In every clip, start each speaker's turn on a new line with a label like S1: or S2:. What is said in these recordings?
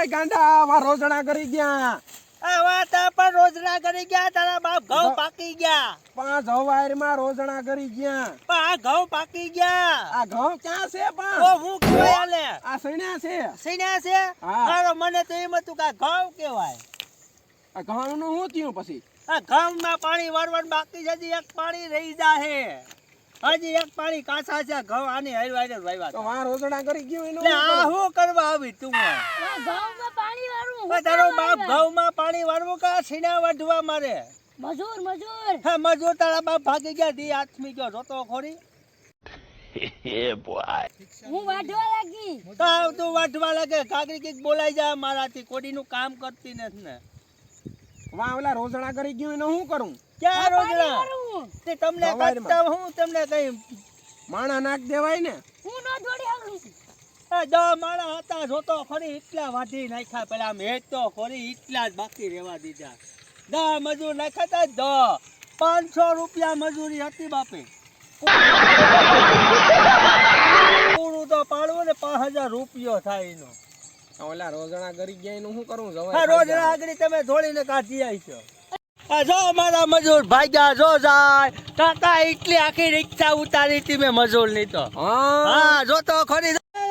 S1: એ ગાંડા વા રોજણા કરી ગયા
S2: આ વાત પણ રોજના કરી ગયા તારા બાપ ઘઉં પાકી ગયા
S1: પાંચ હવારમાં રોજણા કરી ગયા
S2: પણ આ ઘઉં પાકી ગયા
S1: આ ઘઉં ક્યાં છે
S2: ઓ
S1: પણ
S2: હું કહેવાય આલે
S1: આ સણ્યા છે
S2: સીના છે
S1: હા.
S2: મારો મને તો એમ હતું કે આ ઘઉં કહેવાય
S1: આ ઘઉં નું શું થયું પછી
S2: આ ઘઉંમાં પાણી વારવાનું બાકી છે હજી એક પાણી રહી જાહે હજી એક પાણી કાચા છે ઘઉં આની હરવાઈને વાવ્યા
S1: તો
S2: હતા.
S1: વા રોજણા કરી ગયું એનું
S2: એટલે આ શું કરવા આવી તું
S3: ઘઉંમાં પાણી વાળું
S2: તારો બાપ ઘઉંમાં પાણી વારવું કે સીના વાઢવા મારે
S3: મજૂર
S2: હા મજૂર તારા બાપ ભાગી ગયા દી આથમી ગયો જોતો ખોરી
S3: હું વાઢવા લાગી
S2: તાવ તું વાઢવા લાગે કાગરી કઈક બોલાઈ જાય મારાથી કોડીનું કામ કરતી નથી ને
S1: વા ઓલા રોજણા કરી ગયું એનું શું કરું
S2: ક્યાં
S3: પાણી
S2: રોજના
S3: વાળું
S2: તે તમને
S1: સવારમાં.
S2: કરતા હું તમને કઈ
S1: માણા નાખ દેવાય ને
S3: હું નો દોડી આગળ
S2: દો માણા હતા જોતો ખરી એટલા વાઢી નાખ્યા પેલા આમ હેત તો ખરી એટલા જ બાકી રહેવા દીધા દા મજૂર નાખ્યા તા 500 રૂપિયા મજૂરી હતી બાપે પૂરું તો પાડવું ને 5000 રૂપિયો થાય એનો
S1: ઓલા રોજણા કરી ગયા એનું શું કરું
S2: હા રોજ આગળ તમે ધોળીને કાઢી આવીશો આ જો મારા મજૂર ભાગ્યા જો જાય કાકા એટલી આખી રિક્ષા ઉતારી હતી મેં મજૂર ની તો હા જો તો ખરી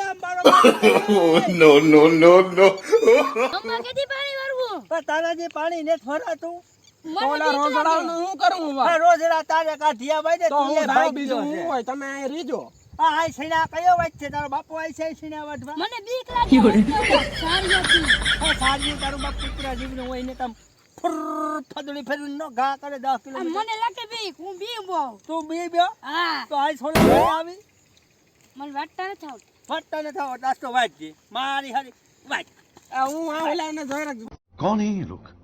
S4: No, no, no, no.
S3: અમ્મા કેદી પાણી વાળું
S2: તારા જે પાણી ને ફરાતું
S1: ઓલા રોજણા નું શું કરું વા
S2: રોજ તારે કાઢિયા ભાઈ ને
S1: તો
S2: તું એ
S1: હું
S2: ભાઈ
S1: બીજું શું હોય તમે અહીં રીજો
S2: આ સીણા કયો વાત છે તારો બાપુ આઈ છે સીણા વાટવા
S3: મને બીક લાગી સારી હતી
S2: સાજી તારું બાપ કુતરા જીવનું હોય ને તમ ફુર ફદડી ફેરવી નો ઘા કરે 10
S3: આ
S2: કિલોમીટર
S3: મને લાગે બીક હું બી બહુ
S2: તું બી બ્યો
S3: હા
S2: તો આઈ છોલા આવી
S3: મને વાટતા નથી આવતું
S2: ફટતા ન થાવ તાસ્તો વાટજી મારી હરી વાટ
S1: આ હું આ ઓલા ને જોઈ રાખજો
S4: कौन है ये लोग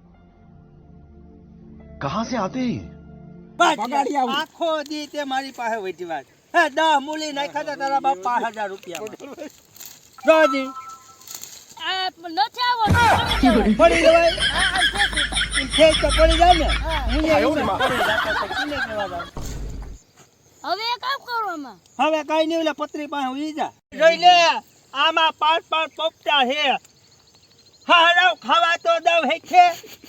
S4: कहाँ से आते हैं
S1: પગાડી આવું.
S2: આખો દી તે મારી પાસે વધી વાત હે 10 મૂલી નાખ્યા તા તારા બાપ 5000 રૂપિયા જોજી
S3: આ નથી આવો
S2: પડી જવાય ખેત તો પડી જાય ને હું
S1: એવું માં.
S2: પડી જાતો તો કિને કેવા જાવ
S3: હવે એક કામ કરો આમાં
S2: હવે કઈ નહીં ઓલા પત્રી પાસે ઉઈ જા જોઈ લે આમાં 5 પોપટા છે હારાવ ખાવા તો દવ હે છે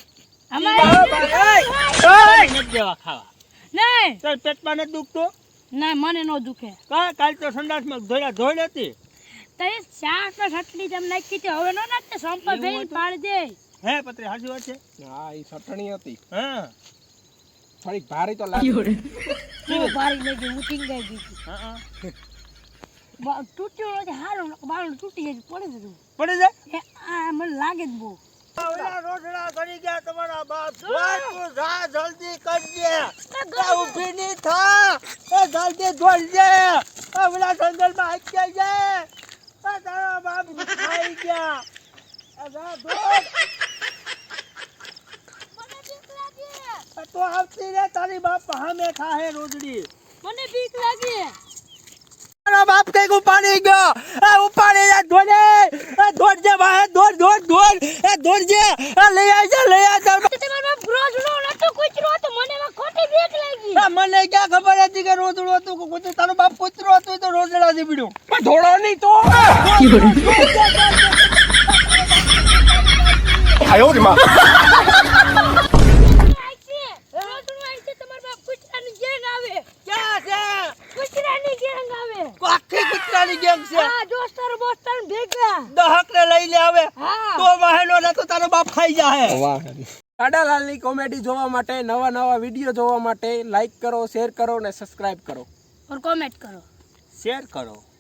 S3: અમારે
S2: નથી દેવા ખાવા
S3: નહીં
S2: તાર પેટમાં નથી દુખતો
S3: ના મને નો દુખે
S2: કાલ તો સંડાસમાં ધોઈ હતી
S3: તઈ શાક સટલી તેમ નાખી હતી હવે નો નાખતે સંપલ ભેઈ પાડી દે
S2: હે પત્રી હાચી વાત છે
S1: હા ઈ ચટણી હતી
S2: હા
S1: થોડીક ભારી તો લાગી
S3: હું ભારી લઈ ગઈ હું ટીંગાઈ ગઈ
S2: હા
S3: તૂટ્યો નથી હારું બાળું તૂટી જાય પડી જતું
S2: પડી જાય
S3: આ મને લાગે જ બહુ
S2: ઓલા રોટલા કરી ગયા તમારા બાપ ધોઈ તું જા જલ્દી કરજે એ ઊભી ની થા એ જલ્દી ધોઈ ઓલા જંગલમાં આવી જાય એ તારા બાપ ખાઈ ગયા એ જા ધોઈ
S3: મને બીક લાગે
S2: તો આવતી રે તારી બાપ હામે ખાહે રોજડી
S3: મને બીક લાગે
S2: તારા બાપ કઈક ઉપાડી ગયો એ ઉપાડી જા ધોડે એ ધોડજે ભાઈ ધોડ એ ધોડજે એ લઈ આવજે
S3: તમારો બાપ રોજડો નતો કૂતરો હતો મને એમાં ખોટી બીક લાગી
S2: મને ક્યાં ખબર હતી કે રોજડું હતું કે કૂતરું તારો બાપ કૂતરો હતો તો રોજડા જીબડ્યું
S1: પણ ધોળો નહીં તો
S4: आयो रे माँ
S2: ક્યાં છે
S3: કૂતરાની ગેંગ આવે
S2: આખી કૂતરાની ગેંગ છે
S3: હા દોસ્તાર બોસ્તાર ભેગા
S2: દહક ને લઈ લે આવે
S3: હા
S2: તો મહેનો ને તો તારો બાપ ખાઈ જાહે
S1: વાહ કાડાલાલની કોમેડી જોવા માટે નવા વિડીયો જોવા માટે લાઈક કરો શેર કરો અને સબસ્ક્રાઇબ કરો
S3: और कमेंट करो
S2: શેર કરો